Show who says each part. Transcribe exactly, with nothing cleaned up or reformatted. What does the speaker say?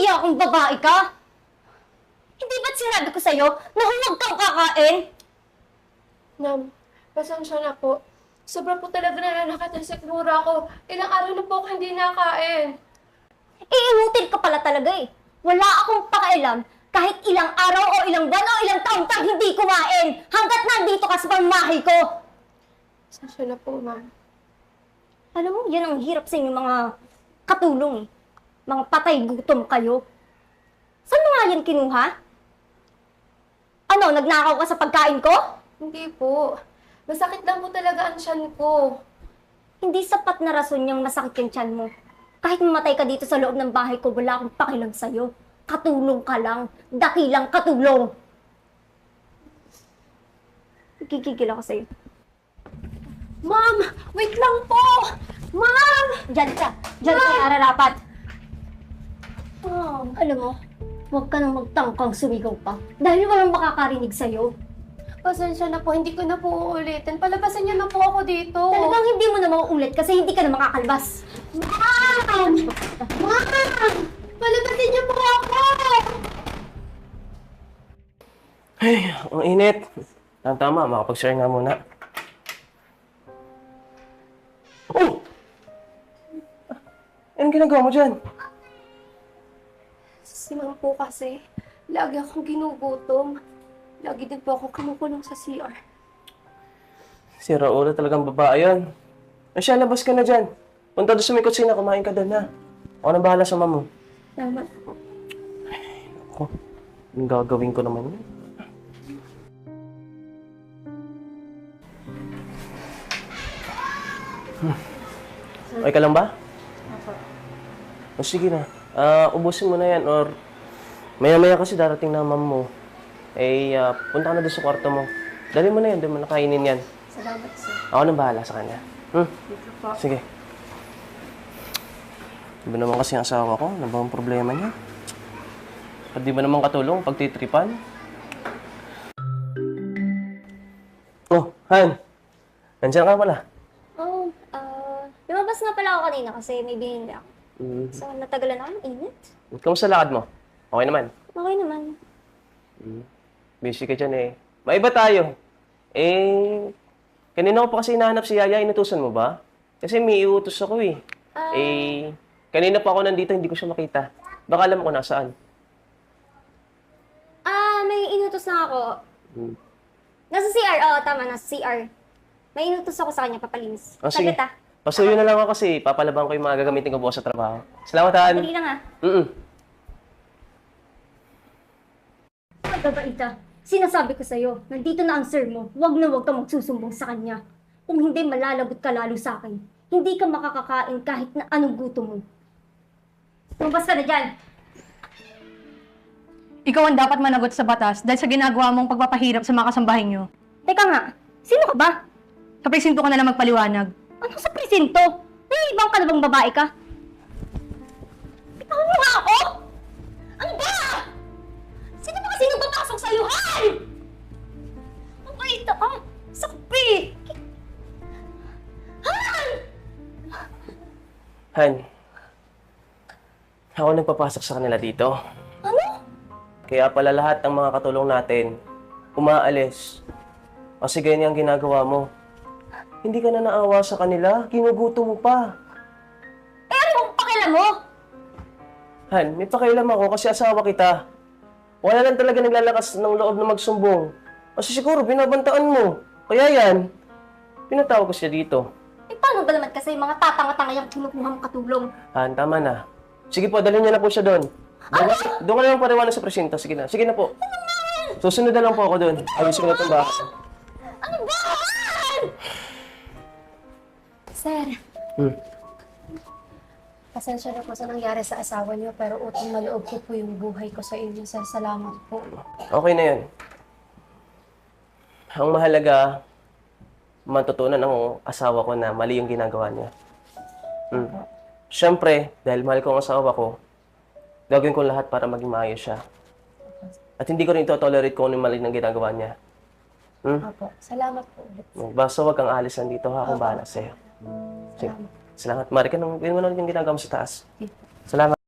Speaker 1: nahihiya kung babae ka? Hindi ba't sinabi ko sa'yo na huwag kang kakain?
Speaker 2: Ma'am, pasensya na po. Sobra po talaga nananakit ang sikmura ko. Ilang araw na po ako hindi nakain.
Speaker 1: Iinutil ka pala talaga eh. Wala akong pakialam kahit ilang araw o ilang buwan o ilang taon kang hindi kumain hanggat nandito ka sa pamamahay ko.
Speaker 2: Pasensya na po, ma'am.
Speaker 1: Alam mo, yan ang hirap sa inyo mga katulong eh. Mga patay gutom kayo. Saan mo nga yan kinuha? Ano, nagnakaw ka sa pagkain ko?
Speaker 2: Hindi po. Masakit lang po talaga ang tiyan ko.
Speaker 1: Hindi sapat na rason yung masakit yung tiyan mo. Kahit mamatay ka dito sa loob ng bahay ko, wala akong pakialam sa'yo. Katulong ka lang. Dakilang katulong. Gigigil ako sa'yo.
Speaker 2: Ma'am! Wait lang po! Ma'am!
Speaker 1: Diyan ka. Diyan ka nararapat. Oh, alam mo, huwag ka nang magtangkang sumigaw pa. Dahil walang makakarinig sa'yo.
Speaker 2: Pasensya na po, hindi ko na po uulitin. Palabasin niyo na po ako dito.
Speaker 1: Talagang hindi mo na mauulit kasi hindi ka na makakalbas.
Speaker 2: Ma'am! Ma'am! Palabasin niyo po ako!
Speaker 3: Ay, ang init. Tama, tama, makapag-share nga muna. Oh! Anong ginagawa mo dyan?
Speaker 2: Si ma'am po kasi, lagi akong ginugutom. Lagi din po ako kumukulong sa C R.
Speaker 3: Si Raula talagang babae yan. Ay siya, labas ka na dyan. Punta doon sa may kutsina, kumain ka doon na. Ako na bahala sa mama mo.
Speaker 2: Salamat po.
Speaker 3: Ako, yung gagawin ko naman yun. Hmm. Okay ka lang ba?
Speaker 2: Opo.
Speaker 3: O sige na. Ah, ubusin mo na yan or maya-maya kasi darating na mama mo. Eh, ah, punta ka na doon sa kwarto mo. Dali mo na yan, doon mo nakainin yan.
Speaker 2: Salamat, sir.
Speaker 3: Ako nang bahala sa kanya. Hmm?
Speaker 2: Dito po.
Speaker 3: Sige. Di ba naman kasi ang asawa ko? Ano ba ang problema niya? At di ba naman katulong pagtitripan? Oh, Han! Nandiyan ka pala.
Speaker 1: Oh, ah, lumabas nga pala ako kanina kasi may binili ako.
Speaker 3: Mm.
Speaker 1: So, natagalan ako ng init.
Speaker 3: Kamusta lakad mo? Okay naman?
Speaker 1: Okay naman.
Speaker 3: Mm. Busy ka dyan eh. Maiba tayo. Eh, kanina ko pa kasi hinahanap si Yaya. Inutusan mo ba? Kasi may iutos ako eh.
Speaker 1: Ah.
Speaker 3: Eh, kanina pa ako nandito, hindi ko siya makita. Baka alam ko nasaan.
Speaker 1: Ah, may inutos na ako.
Speaker 3: Hmm.
Speaker 1: Nasa C R, oo, tama, nasa C R. May inutos ako sa kanya, papalinis.
Speaker 3: Oh, sige.
Speaker 1: Saglit ah.
Speaker 3: Pasuyo na lang ako kasi papalabang ko yung mga gagamitin ko bukas sa trabaho. Salamat, Han.
Speaker 1: Dali lang ah.
Speaker 3: Mm-mm.
Speaker 1: Magbabaita, sinasabi ko sa'yo, nandito na ang sir mo, huwag na huwag ka magsusumbong sa kanya. Kung hindi, malalagot ka lalo sa akin. Hindi ka makakakain kahit na anong gutom mo. Lumabas ka na dyan!
Speaker 4: Ikaw ang dapat managot sa batas dahil sa ginagawa mong pagpapahirap sa mga kasambahay niyo.
Speaker 1: Teka nga, sino ka ba?
Speaker 4: Sa presinto ka na lang magpaliwanag.
Speaker 1: Ano sa presinto? Naiibang ka na bang babae ka? Bitawan mo nga ako! Ano ba? Sino ba kasi nagpapasok sa'yo, Han? Ang baita ka! Sakpi! Han!
Speaker 3: Han, ako nagpapasok sa kanila dito.
Speaker 1: Ano?
Speaker 3: Kaya pala lahat ng mga katulong natin, umaalis. Kasi ganyan ang ginagawa mo. Hindi ka na naawa sa kanila, ginuguto mo pa.
Speaker 1: Eh ano bang pakialam mo?
Speaker 3: Han, may pakialam ako kasi asawa kita. Wala lang talaga naglalakas ng loob na magsumbong. Kasi siguro binabantaan mo. Kaya yan, pinatawag ko siya dito.
Speaker 1: Eh paano ba naman kasi mga tatanga-tanga yung kinukuha mong katulong?
Speaker 3: Han, tama na. Sige po, dalhin niyo na po siya doon. Doon, ka- doon ka na lang pariwanan sa presinto. Sige na, sige na po. Susunod na lang po ako doon. Ayusin ko na itong bahay.
Speaker 1: Ano ba, Han?
Speaker 2: Sir,
Speaker 3: Hmm.
Speaker 2: pasensya na po sa nangyari sa asawa niyo, pero utang na loob ko po yung buhay ko sa inyo, sir. Salamat po.
Speaker 3: Okay na yun. Ang mahalaga, matutunan ng asawa ko na mali yung ginagawa niya. Hmm. Siyempre, dahil mahal ko ang asawa ko, gagawin ko lahat para maging maayos siya. At hindi ko rin ito-tolerate kung ano yung mali ng ginagawa niya. Hmm?
Speaker 2: Opo, salamat po ulit.
Speaker 3: Basta huwag kang alis nandito ha, kung bahala sa'yo. Sige. Salamat. Mari ka nang gawin mo na yung ginagawa mo sa taas. Salamat.